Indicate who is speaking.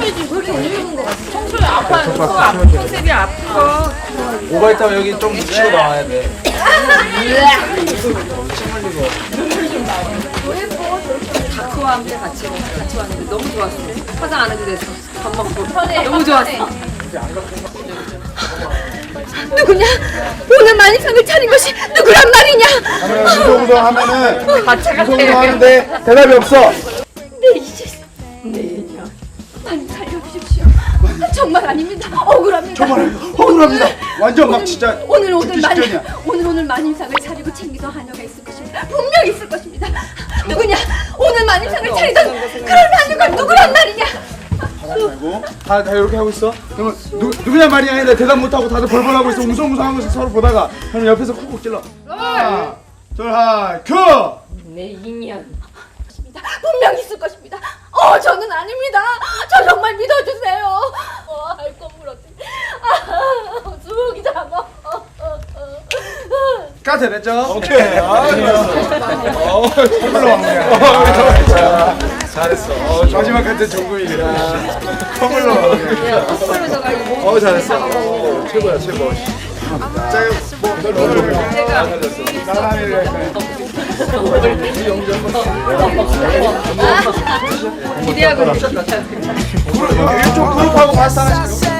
Speaker 1: 청소에 아파요. 거 아픈 컨셉이 아픈 거.
Speaker 2: 뭐가 있다면 여기 좀 묻히고 나와야 돼.
Speaker 1: 다크와 함께 같이 왔는데 너무 좋았어. 화장 안 해도 돼서 밥 먹고 너무 좋았어.
Speaker 3: 누구냐? 오늘 만입상을 차린 것이 누구란 말이냐?
Speaker 2: 무성무성 하면은
Speaker 1: 가차 같아.
Speaker 2: 무성무성 하는데 대답이 없어.
Speaker 3: 네 이제 내년 많이 살려주십시오. 정말 아닙니다. 억울합니다.
Speaker 2: 정말 억울합니다. 완전 막 진짜
Speaker 3: 오늘
Speaker 2: 죽기 직전이야.
Speaker 3: 오늘 만입상을 차리고 챙기던 하녀가 있을 것입니다. 분명 있을 것입니다. 누구냐? 오늘 만입상을 차리던 그런 하녀가 누구란 말이냐?
Speaker 2: 말고 다 이렇게 하고 있어. 그러면 누구냐 말이야 했는데 대답 못하고 다들 벌벌하고 있어. 웅성웅성한 것을 서로 보다가 그럼 옆에서 쿡쿡 찔러. 하나 둘 하나 큐.
Speaker 1: 내 인연.
Speaker 3: 분명 있을 것입니다. 저는 아닙니다. 저 정말 믿어주세요. 할 건물 어때? 수목이 잡아.
Speaker 2: 까지 됐죠?
Speaker 4: 오케이.
Speaker 2: 선물로 마무리야. 잘했어. 마지막 같은 정국이라. 선물로 마무리야. 잘했어. 최고야 최고. 자, 나란히를
Speaker 1: 기대하고 있어.
Speaker 2: 일종 그룹하고 바스 하나씩.